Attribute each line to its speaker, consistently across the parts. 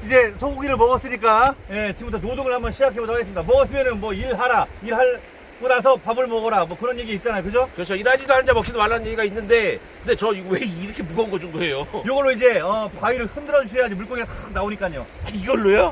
Speaker 1: 이제 소고기를 먹었으니까 예, 지금부터 노동을 한번 시작해보도록 하겠습니다. 먹었으면은 뭐 일하고 나서 밥을 먹어라 뭐 그런 얘기 있잖아요, 그죠?
Speaker 2: 그렇죠. 일하지도 않은 자 먹지도 말라는 얘기가 있는데, 근데 저 이거 왜 이렇게 무거운 거 준 거예요?
Speaker 1: 요걸로 이제 바위를 흔들어 주셔야지 물고기가 싹 나오니까요.
Speaker 2: 이걸로요?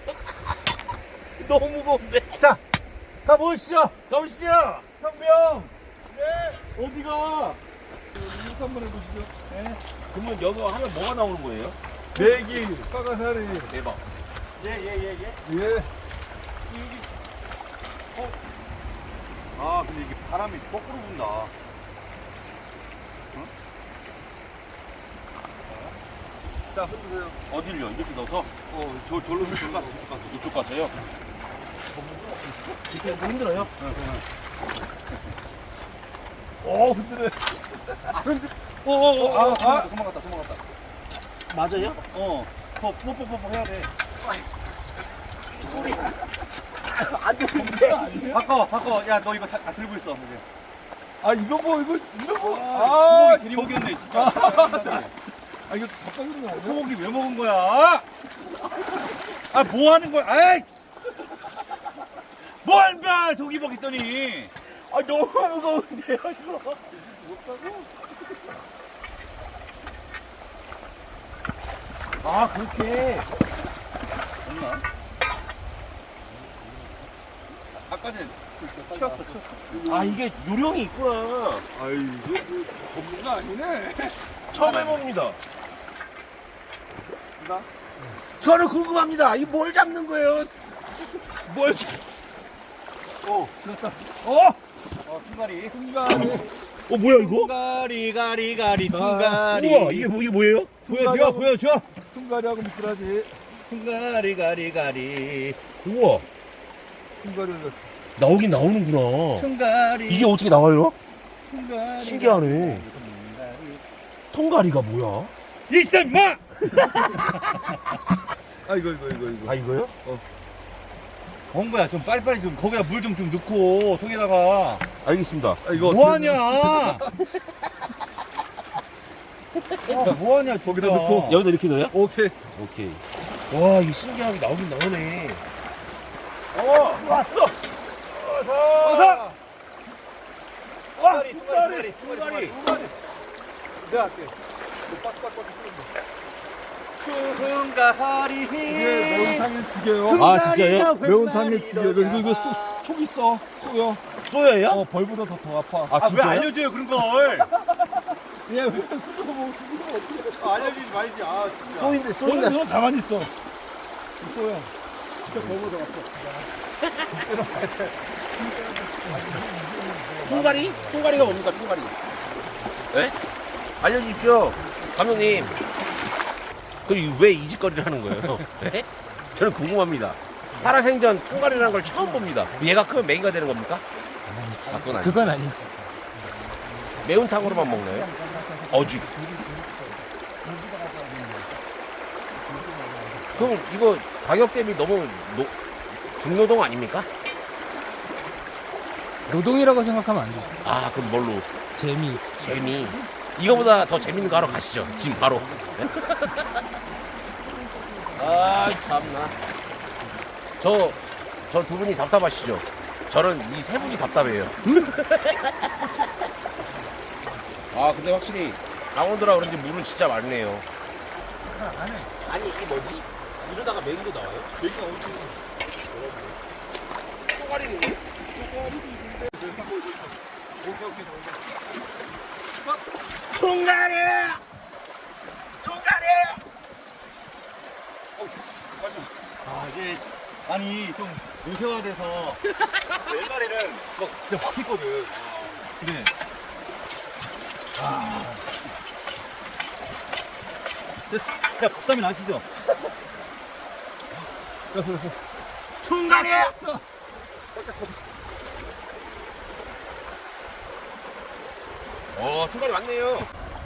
Speaker 2: 너무 무거운데.
Speaker 1: 자, 가보시죠.
Speaker 2: 가보시죠.
Speaker 1: 형병.
Speaker 2: 네.
Speaker 1: 어디가?
Speaker 3: 이거 한번 해보시죠.
Speaker 1: 네.
Speaker 2: 그러면 여기 하면 뭐가 나오는 거예요?
Speaker 3: 메기, 까가사리.
Speaker 2: 대박.
Speaker 1: 예.
Speaker 3: 예.
Speaker 1: 아, 근데 이게 바람이 거꾸로 분다.
Speaker 3: 자, 흔드세요.
Speaker 2: 어딜요? 이렇게 넣어서?
Speaker 3: 절로 흔들어.
Speaker 2: 이쪽 가서요?
Speaker 1: 이렇게 힘들어요?
Speaker 3: 흔들어.
Speaker 1: 도망갔다.
Speaker 2: 맞아요?
Speaker 1: 더 뽀뽀뽀뽀 해야 돼.
Speaker 2: 안 되는데.
Speaker 1: 바꿔. 야, 너 이거 들고 있어. 이제.
Speaker 3: 이거 이런 거.
Speaker 1: 소고기 괜히 먹였네, 진짜.
Speaker 3: 이거 바꿔주는 거 아니야?
Speaker 1: 소고기 왜 먹은 거야? 뭐 하는 거야? 아이! 뭘 봐! 소고기 먹겠더니.
Speaker 2: 너무 무거운데요, 이거.
Speaker 1: 그렇게. 없나? 아까 전에 튀었어.
Speaker 2: 이게 요령이 있구나.
Speaker 3: 이거 전문가 아니네.
Speaker 2: 처음 해봅니다.
Speaker 3: 나?
Speaker 2: 저는 궁금합니다. 이 뭘 잡는 거예요? 뭘 잡...
Speaker 1: 퉁가리.
Speaker 3: 순간에.
Speaker 2: 뭐야, 이거?
Speaker 1: 가리, 퉁가리.
Speaker 2: 우와, 이게 뭐예요?
Speaker 1: 보여줘.
Speaker 3: 순간이하고 미꾸라지.
Speaker 1: 가리.
Speaker 2: 우와,
Speaker 3: 순간을
Speaker 2: 나오긴 나오는구나.
Speaker 1: 퉁가리.
Speaker 2: 이게 어떻게 나와요?
Speaker 1: 퉁가리.
Speaker 2: 신기하네. 통가리가 뭐야?
Speaker 1: 있어, 임마!
Speaker 3: 이거.
Speaker 2: 이거요?
Speaker 1: 홍보야, 좀 빨리빨리 좀, 거기다 물 좀 넣고, 통에다가.
Speaker 2: 알겠습니다.
Speaker 3: 이거
Speaker 1: 뭐하냐? 뭐하냐,
Speaker 3: 거기다 넣고.
Speaker 2: 여기다 이렇게 넣어요?
Speaker 3: 오케이.
Speaker 2: 오케이. 와, 이게 신기하게 나오긴 나오네.
Speaker 1: 왔어! 어서! 퉁가리.
Speaker 3: 내가 할게. 빡빡빡 쓰는
Speaker 1: 퉁가리.
Speaker 3: 이게 매운탕에 두 개요.
Speaker 2: 진짜요?
Speaker 3: 매운탕에 두 개. 그리고 이거 속 있어. 쏘요.
Speaker 2: 쏘여요?
Speaker 3: 벌보다 더 아파.
Speaker 1: 왜 알려줘요, 그런 걸?
Speaker 3: 왜 수저 뭐
Speaker 1: 알려주지 말지, 진짜.
Speaker 2: 쏘인데,
Speaker 3: 너는 가만히 있어. 쏘야. 진짜 벌보다 아파.
Speaker 2: 통가리가 뭡니까, 통가리? 네? 알려주십시오, 감독님. 그럼 왜 이 짓거리를 하는 거예요? 네? 저는 궁금합니다. 살아생전 통가리라는 걸 처음 봅니다. 얘가 크면 메기가 되는 겁니까? 그건 아니에요.
Speaker 3: 그건 아니.
Speaker 2: 매운탕으로만 먹나요? 어죽. 그럼 이거 가격 대비 너무 중노동 아닙니까?
Speaker 4: 노동이라고 생각하면 안 돼.
Speaker 2: 그럼 뭘로?
Speaker 4: 재미.
Speaker 2: 이거보다 더 재밌는 거 하러 가시죠. 지금 바로. 네? 참나. 저 두 분이 답답하시죠? 저는 이 세 분이 답답해요. 근데 확실히 강원도라 그런지 물은 진짜 많네요. 아니, 이게 뭐지? 이러다가 메기도 나와요? 메기가 어디 쏘가리는 거예요? 통가리!
Speaker 1: 이게, 좀 요새화돼서, 옛날에는 진짜 확 했거든. 근데, 야, 박사님 아시죠?
Speaker 2: 통가리! 통가리 맞네요.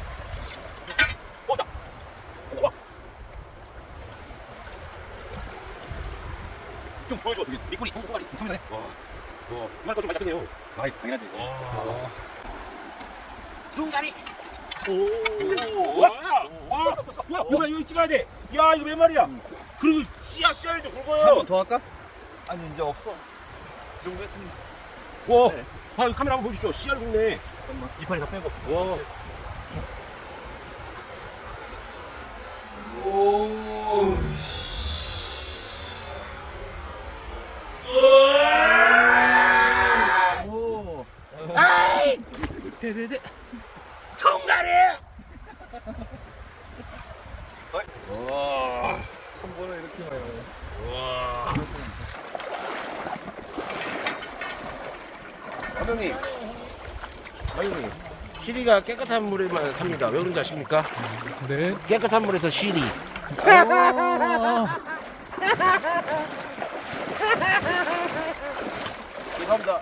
Speaker 1: 좀 보여줘.
Speaker 2: 미꾸리, 통가리.
Speaker 1: 카메라에.
Speaker 2: 이만 거좀 맛있겠네요.
Speaker 1: 당연하지.
Speaker 2: 통가리. 와, 이거 찍어야 돼. 야 이거 몇 마리야? 그리고 씨알도 굵어요.
Speaker 1: 한 번 더 할까?
Speaker 3: 아니 이제 없어. 이 정도 했습니다.
Speaker 2: 와,
Speaker 1: 네.
Speaker 2: 아, 카메라 한번 보시죠. 씨알 굵네.
Speaker 1: 이파리 다 빼고.
Speaker 2: 와.
Speaker 1: 오.
Speaker 2: 아이,
Speaker 4: 네네네.
Speaker 2: 통가리.
Speaker 3: 와. 한 번에 이렇게 많이 나와요.
Speaker 2: 와. 감독님, 감독님, 시리가 깨끗한 물에만 삽니다. 왜 그런지 아십니까?
Speaker 4: 네.
Speaker 2: 깨끗한 물에서 시리. 죄송합니다.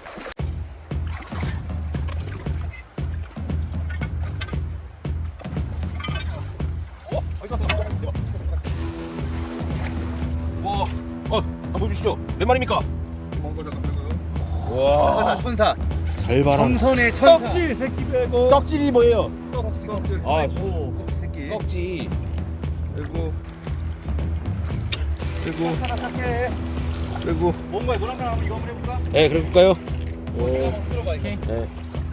Speaker 2: 와, 한번 보여주시죠. 몇 마리입니까?
Speaker 3: 먼거 잠깐 빼고요.
Speaker 2: 와,
Speaker 1: 천사.
Speaker 2: 잘 봐라.
Speaker 1: 정선의 천사.
Speaker 3: 떡질 새끼 빼고.
Speaker 2: 떡질이 뭐예요?
Speaker 3: 떡질.
Speaker 2: 아,
Speaker 1: 오, 껍질 새끼.
Speaker 2: 떡지.
Speaker 3: 빼고. 빼고.
Speaker 1: 하나 삭해.
Speaker 3: 빼고.
Speaker 1: 뭔가 노란 거 한번 이거 한번 해볼까?
Speaker 2: 네, 그럴까요?
Speaker 1: 내가 한번 들어봐 이거.
Speaker 2: 네.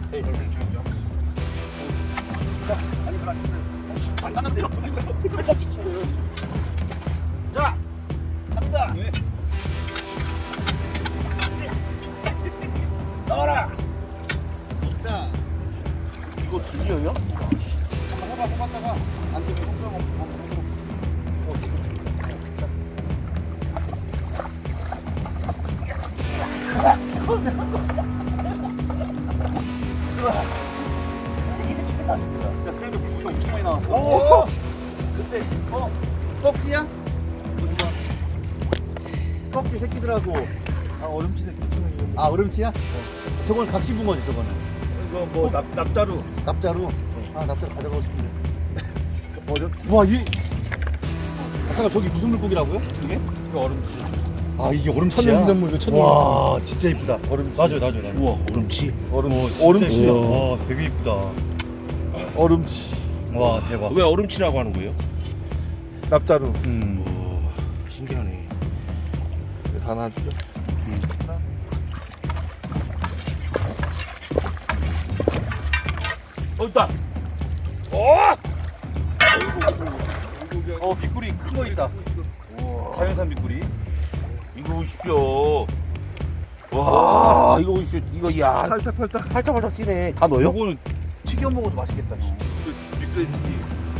Speaker 1: 간단한데요. 자, 갑니다. 나와라. 자,
Speaker 2: 이거 들려요?
Speaker 1: 한번 해봐, 뽑았다가 안 되면 홍수하고 이게 최선입니다. 자, 그래도 물고기 엄청 많이 나왔어.
Speaker 2: 오!
Speaker 1: 근데 꺽지야? 꺽지 새끼들하고
Speaker 3: 아 얼음치 새끼.
Speaker 1: 아 얼음치야? 저건 각시붕어지 저거는.
Speaker 3: 이거 뭐 납자루.
Speaker 1: 납자루. 아 납자루 가져가고 싶은데. 와 이. 아, 잠깐 저기 무슨 물고기라고요? 이게?
Speaker 3: 이거 얼음치.
Speaker 1: 아 이게 얼음치야?
Speaker 3: 천연기념물 이거 천연.
Speaker 1: 와 진짜 이쁘다.
Speaker 3: 얼음치.
Speaker 1: 놔줘요.
Speaker 2: 우와, 얼음치.
Speaker 3: 얼음치.
Speaker 1: 와 되게 이쁘다.
Speaker 3: 얼음치.
Speaker 1: 와 대박.
Speaker 2: 왜 얼음치라고 하는 거예요?
Speaker 3: 납자루.
Speaker 2: 오, 신기하네.
Speaker 3: 다 놔주죠.
Speaker 2: 있다.
Speaker 1: 미꾸리 큰 거 있다. 자연산 미꾸리.
Speaker 2: 이거 보십시오. 와, 이거 보십시오. 이거 야,
Speaker 3: 팔딱팔딱.
Speaker 2: 팔짝팔짝 뛰네. 다 넣어요?
Speaker 1: 요거는 튀겨 먹어도 맛있겠다.
Speaker 3: 미끄레 튀기.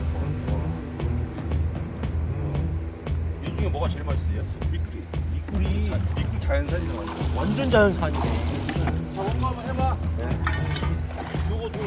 Speaker 2: 이 중에 뭐가 제일 맛있어요?
Speaker 3: 미끄리. 미끄리 자연산이죠. 완전.
Speaker 2: 완전 자연산이네.
Speaker 1: 자, 엄마 한번 해봐. 요거 좀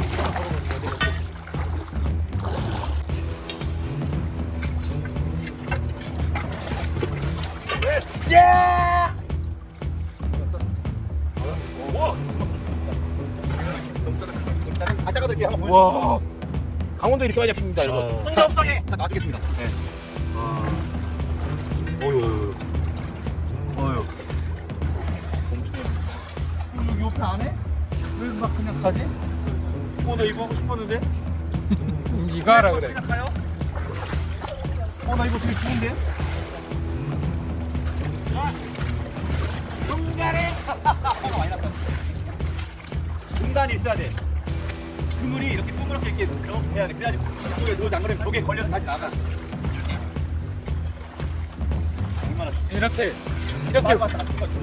Speaker 1: 아따가 들게 한번 보여줘.
Speaker 2: 와, 강원도 이렇게 많이 잡힙니다, 여러분.
Speaker 1: 뜬금성에 딱 놔주겠습니다. 네.
Speaker 2: 어휴.
Speaker 1: 여기 옆에 안 해? 왜 막 그냥 가지?
Speaker 3: 나 이거 하고 싶었는데.
Speaker 4: 네가 하라 그래.
Speaker 1: 그냥 가요? 나 이거 되게 좋은데? 중간에 화가 많이 났다. 중간이 있어야 돼. 그물이 이렇게 동그랗게 이렇게 해야 돼. 그래야지 그쪽에 들어오지 안 그러면 벽에 걸려서 다시 나가. 얼마나
Speaker 4: 이렇게
Speaker 1: 이렇게 맞다.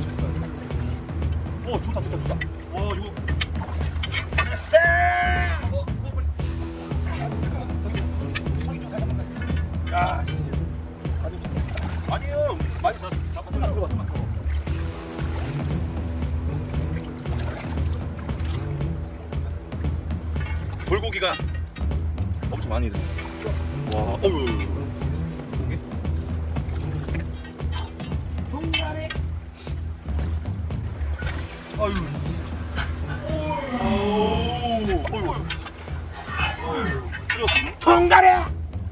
Speaker 1: 오 좋다. 와 이거. 야.
Speaker 2: 아니요. 많이
Speaker 1: 들어봐. 돌고기가 엄청 많이 들어.
Speaker 2: 와, 어휴.
Speaker 1: 고기? 동간에. 아유.
Speaker 2: 통가래!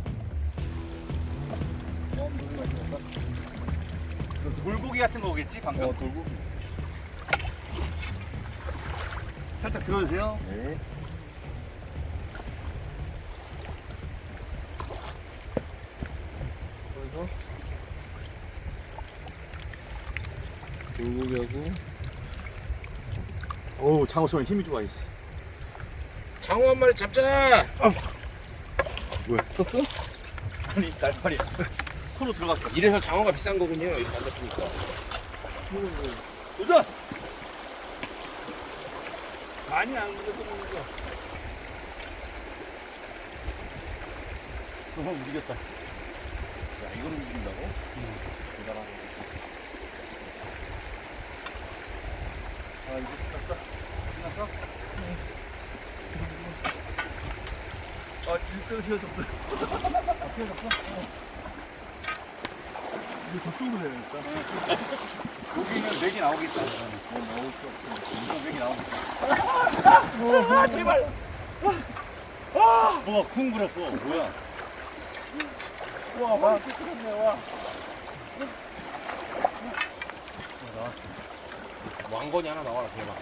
Speaker 1: 돌고기 같은 거겠지 방금.
Speaker 3: 돌고.
Speaker 1: 살짝 들어주세요.
Speaker 3: 네.
Speaker 4: 여기하고.
Speaker 1: 오 장어 쏘면 힘이 좋아.
Speaker 2: 장어 한 마리 잡자.
Speaker 1: 썼어? 아니 날파리 코로 들어갔어.
Speaker 2: 이래서 장어가 비싼 거군요. 이거 안 잡히니까.
Speaker 3: 도전! 많이 안 그래도 먹는 거.
Speaker 1: 형 이겼다.
Speaker 2: 야, 이걸 움직인다고? 대단하네.
Speaker 1: 아 이거 끝났어? 끝났어?
Speaker 3: 아, 진짜 휘어졌어.
Speaker 1: 아 피해졌어?
Speaker 3: 이거 저쪽으로 해야겠다.
Speaker 1: 여기는 맥이 나오겠다. 나올 수 없어. 이거 맥이 나오겠다.
Speaker 3: 아, 제발!
Speaker 1: 뭐가 쿵 그랬어. 뭐야?
Speaker 3: 와, 와, 쫓아갔네, 와.
Speaker 2: 왕건이 하나 나와라, 대박.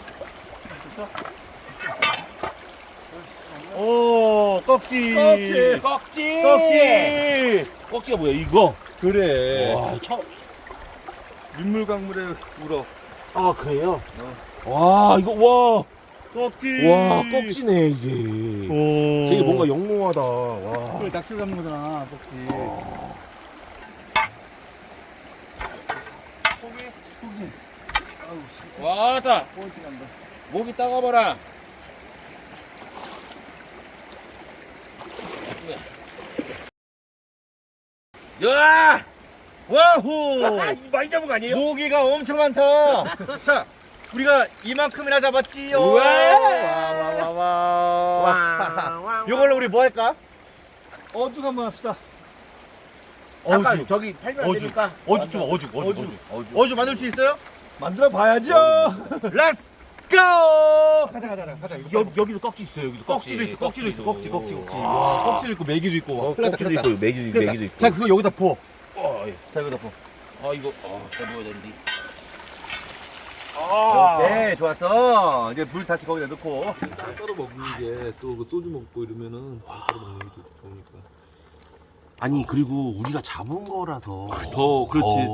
Speaker 1: 오 꺽지.
Speaker 3: 꺽지.
Speaker 2: 꺽지!
Speaker 1: 꺽지.
Speaker 2: 꺽지가 뭐야, 이거?
Speaker 1: 그래.
Speaker 2: 와, 처음.
Speaker 3: 민물강물에 울어.
Speaker 2: 아, 그래요? 와, 이거, 와.
Speaker 1: 꺽지.
Speaker 2: 와, 꺽지네, 이게.
Speaker 1: 오.
Speaker 2: 되게 뭔가 영롱하다. 와.
Speaker 1: 그래 낚시를 잡는 거잖아 꺽지.
Speaker 2: 와다.
Speaker 1: 꼴찌 간다.
Speaker 2: 목이 따가워라. 야!
Speaker 1: 와호.
Speaker 2: 많이 잡은 거 아니에요?
Speaker 1: 모기가 엄청 많다. 자, 우리가 이만큼이나 잡았지요.
Speaker 2: 우와.
Speaker 1: 와와와. 요걸로 우리 뭐 할까?
Speaker 3: 어죽 한번 합시다.
Speaker 2: 잠깐
Speaker 1: 어죽.
Speaker 2: 저기 팔면 안
Speaker 1: 어죽.
Speaker 2: 됩니까?
Speaker 1: 어죽 좀 어죽.
Speaker 2: 어죽.
Speaker 1: 어죽 만들 수 있어요?
Speaker 3: 만들어 봐야죠.
Speaker 1: 렛츠 고! 가자.
Speaker 2: 여기도 꺽지 있어요. 여기도
Speaker 1: 꺽지도 있어. 꺽지.
Speaker 2: 와.
Speaker 1: 와, 꺽지도 있고 메기도 있고.
Speaker 2: 꺽지도 있고 메기도 있고.
Speaker 1: 자, 그거 여기다 부어.
Speaker 2: 예.
Speaker 1: 자, 여기다 부어.
Speaker 2: 아 이거 다 먹어야 되는데.
Speaker 1: 오케이, 좋았어. 이제 물 다시 거기다 넣고.
Speaker 3: 따로 먹는 게 또 그 소주 먹고 이러면은 따로 먹는 게 좋으니까.
Speaker 2: 아니 그리고 우리가 잡은 거라서
Speaker 3: 더 그렇지.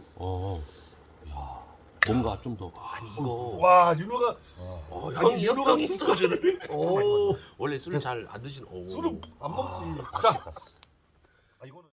Speaker 2: 야 뭔가 좀 더 아니 이거
Speaker 3: 와, 윤호가
Speaker 2: 형이
Speaker 3: 윤호가
Speaker 2: 형이
Speaker 3: 소주를. 오.
Speaker 2: 원래 술 잘 안 드시는
Speaker 3: 술을 안 먹지. 자,
Speaker 1: 아, 이거는